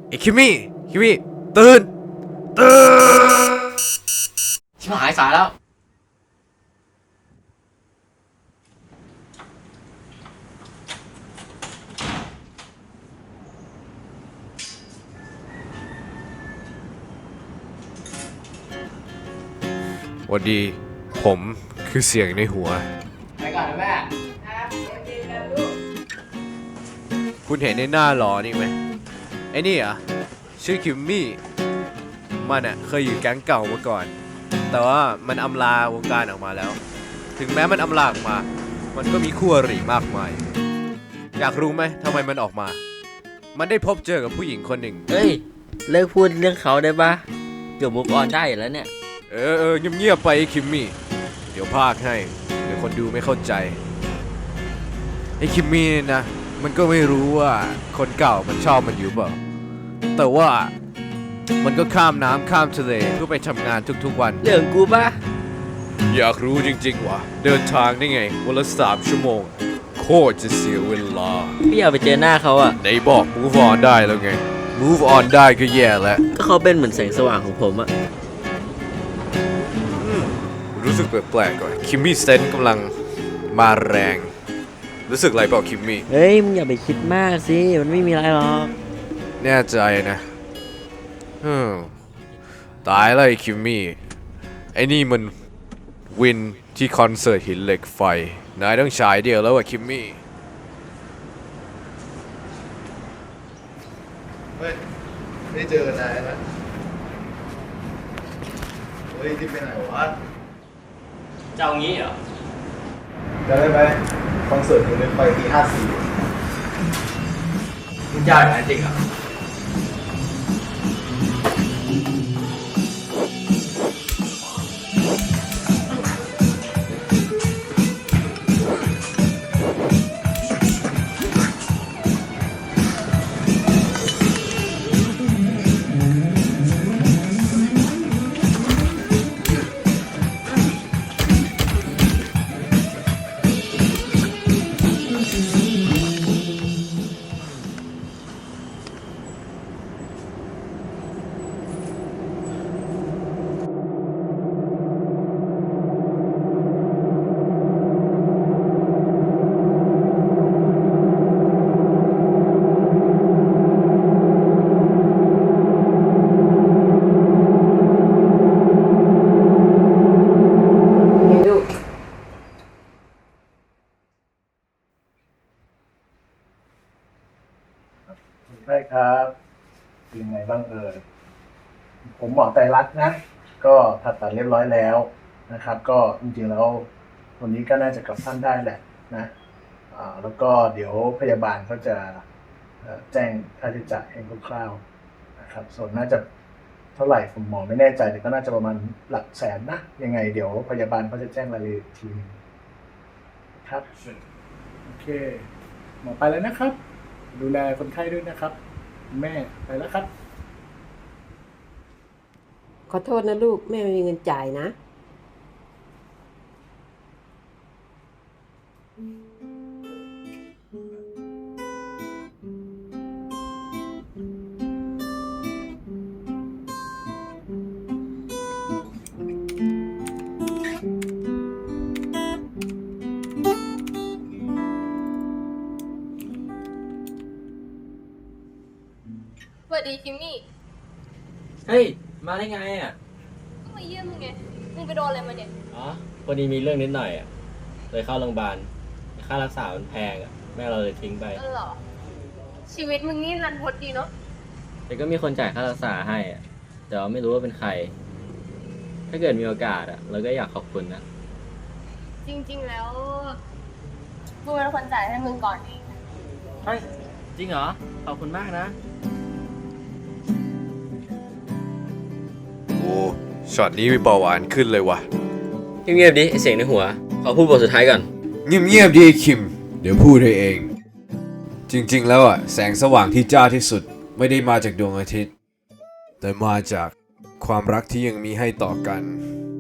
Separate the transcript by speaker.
Speaker 1: ไอ้คิมมี่ตื่น
Speaker 2: ชิบหายสายแล้ว
Speaker 1: หวัสดีผมคือเสียงในหัว
Speaker 2: ไปก่อนนะแม่
Speaker 1: คุณเห็นในหน้าหลอนี่ไหมไอ้นี่อ่ะชื่อคิมมี่มันอ่ะเคยอยู่แก๊งเก่ามาก่อนแต่ว่ามันอำลาวงการออกมาแล้วถึงแม้มันอำลาออกมามันก็มีคู่อริมากมายอยากรู้ไหมทำไมมันออกมามันได้พบเจอกับผู้หญิงคนหนึ่ง
Speaker 3: เฮ้ยเลิกพูดเรื่องเขาได้ปะเกือบมุกออนได้แล้วเนี่ย
Speaker 1: เงียบๆไปไอ้คิมมี่เดี๋ยวพากให้เดี๋ยวคนดูไม่เข้าใจไอ้คิมมี่เนี่ยนะมันก็ไม่รู้ว่าคนเก่ามันชอบมันอยู่เปล่าแต่ว่ามันก็ข้ามน้ำข้ามทะเลเพื่อไปทำงานทุกๆวัน
Speaker 3: เรื่องกูปะ
Speaker 1: อยากรู้จริงๆวะเดินทางได้ไงวันละ3 ชั่วโมงโคตรจะเสียเวลา
Speaker 3: พี่อยากไปเจอหน้าเขาอะ
Speaker 1: ไหนบอก move on ได้แล้วไง move on ได้ก็แย่แล้ว
Speaker 3: ก็เขาเป็นเหมือนแสงสว่างของผมอะ
Speaker 1: รู้สึกแปลกๆก่อนคิมมี่เซนกำลังมาแรงรู้สึกอะไรเปล่าคิมมี่
Speaker 3: เฮ้ยมึงอย่าไปคิดมากสิมันไม่มีอะไรหรอก
Speaker 1: แน่ใจนะตายแล้วไอ้คิมมี่ไอ้นี่มันวินที่คอนเสิร์ตหินเหล็กไฟนายต้องฉายเดียวแล้วอะคิมมี่
Speaker 4: เฮ้ยไม่เจอนายนะเฮ้ยที่ไปไหนวะ
Speaker 2: จะเอางี้เหรอ
Speaker 4: จะได้ไหมคอนเสิร์ตหินเหล็กไฟปี54
Speaker 2: มึงจะอย่างนั้นจริงเหรอ
Speaker 4: ใช่ครับเป็นไงบ้างผมหมอไตรรัตน์นะก็ผ่าตัดเรียบร้อยแล้วนะครับก็จริงๆแล้ววันนี้ก็น่าจะกลับบ้านได้แหละนะแล้วก็เดี๋ยวพยาบาลเขาจะแจ้งค่าใช้จ่ายให้คร่าวๆนะครับส่วนน่าจะเท่าไหร่ผมหมอไม่แน่ใจแต่ก็น่าจะประมาณหลักแสนนะยังไงเดี๋ยวพยาบาลเขาจะแจ้งรายละเอียดทีนึงครับโอเคหมอไปแล้วนะครับดูแลคนไข้ด้วยนะครับแม่ไปแล้วครับ
Speaker 5: ขอโทษนะลูกแม่ไม่มีเงินจ่ายนะ
Speaker 6: สวัสดีคิมมี่
Speaker 3: เฮ้ยมาได้ไงอะ
Speaker 6: ก็มาเยี่ยมมึงไง มึงไปโดนอะไรมาเนี่ย
Speaker 3: อ๋อพอดีมีเรื่องนิดหน่อยอะเลยเข้าโรงพยาบาลค่ารักษามันแพงอะแม่เราเลยทิ้งไป
Speaker 6: เหรอ ชีวิตมึงนี่รันทดดีเนาะ
Speaker 3: แต่ก็มีคนจ่ายค่ารักษาให้อะแต่ว่าไม่รู้ว่าเป็นใครถ้าเกิดมีโอกาสอะเราก็อยากขอบคุณนะ
Speaker 6: จริงๆแล้วกูเป็นคนจ่ายให้มึงก่อนเอง
Speaker 3: เฮ้ยจริงเหรอขอบคุณมากนะ
Speaker 1: โอ้ช็อตนี้มีเบาหวานขึ้นเลยวะ
Speaker 3: เงียบๆดิไอเสียงในหัวขอพูดบทสุดท้ายก่อน
Speaker 1: เงียบๆดิคิมเดี๋ยวพูดให้เองจริงๆแล้วอ่ะแสงสว่างที่จ้าที่สุดไม่ได้มาจากดวงอาทิตย์แต่มาจากความรักที่ยังมีให้ต่อกัน